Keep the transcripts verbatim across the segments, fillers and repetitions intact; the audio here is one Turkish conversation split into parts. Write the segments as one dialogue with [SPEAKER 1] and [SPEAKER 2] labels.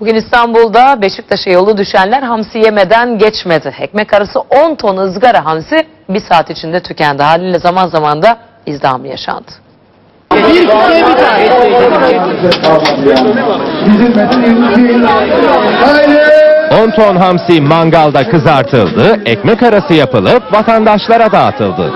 [SPEAKER 1] Bugün İstanbul'da Beşiktaş'a yolu düşenler hamsi yemeden geçmedi. Ekmek arası on ton ızgara hamsi bir saat içinde tükendi. Haliyle zaman zaman da izdiham yaşandı.
[SPEAKER 2] on ton hamsi mangalda kızartıldı, ekmek arası yapılıp vatandaşlara dağıtıldı.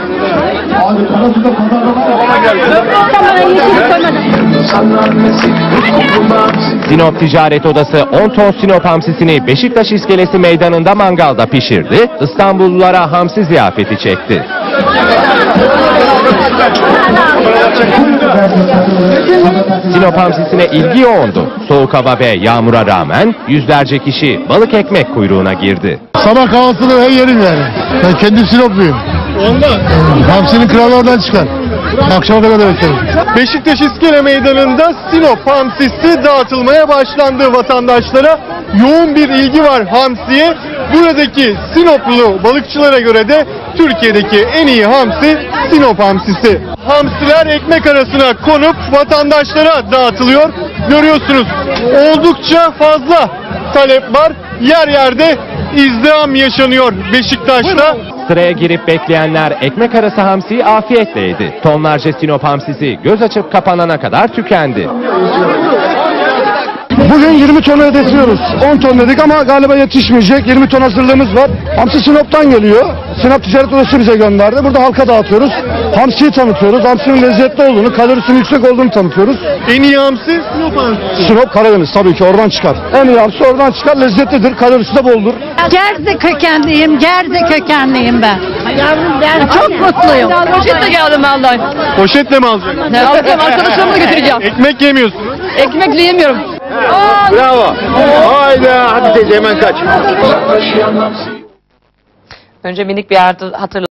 [SPEAKER 2] Sinop Ticaret Odası on ton Sinop hamsisini Beşiktaş İskelesi Meydanı'nda mangalda pişirdi, İstanbullulara hamsi ziyafeti çekti. Sinop hamsisine ilgi yoğundu. Soğuk hava ve yağmura rağmen yüzlerce kişi balık ekmek kuyruğuna girdi.
[SPEAKER 3] Sabah kahvaltısını her yerim yani. Ben kendim Sinopluyum. Ondan. Hamsinin kralı oradan çıkar. Akşama kadar da beklerim.
[SPEAKER 4] Beşiktaş İskele Meydanı'nda Sinop hamsisi dağıtılmaya başlandı vatandaşlara. Yoğun bir ilgi var hamsiye. Buradaki Sinoplu balıkçılara göre de Türkiye'deki en iyi hamsi Sinop hamsisi. Hamsiler ekmek arasına konup vatandaşlara dağıtılıyor. Görüyorsunuz oldukça fazla talep var. Yer yerde izdiham yaşanıyor Beşiktaş'ta.
[SPEAKER 2] Sıraya girip bekleyenler ekmek arası hamsiyi afiyetle yedi. Tonlarca Sinop hamsisi göz açıp kapanana kadar tükendi.
[SPEAKER 3] Bugün yirmi ton hedefliyoruz. on ton dedik ama galiba yetişmeyecek. yirmi ton hazırlığımız var. Hamsi Sinop'tan geliyor. Sinop Ticaret Odası bize gönderdi. Burada halka dağıtıyoruz. Hamsiyi tanıtıyoruz. Hamsinin lezzetli olduğunu, kalorisinin yüksek olduğunu tanıtıyoruz.
[SPEAKER 4] En iyi hamsi Sinop hamsisi.
[SPEAKER 3] Sinop Karadeniz tabii ki oradan çıkar. En iyi hamsi oradan çıkar. Lezzetlidir. Kalorisi de boldur.
[SPEAKER 5] Gerze kökenliyim. Gerze kökenliyim ben. Çok mutluyum.
[SPEAKER 6] Poşetle geldim vallahi.
[SPEAKER 4] Poşetle mi alacaksın?
[SPEAKER 6] Ne alacağım, arkadaşlarımla götüreceğim.
[SPEAKER 4] Ekmek yemiyorsun.
[SPEAKER 6] Ekmekle yemiyorum.
[SPEAKER 7] Bravo. Hayda hadi teyze hemen kaç.
[SPEAKER 1] Önce minik bir hatırlatma.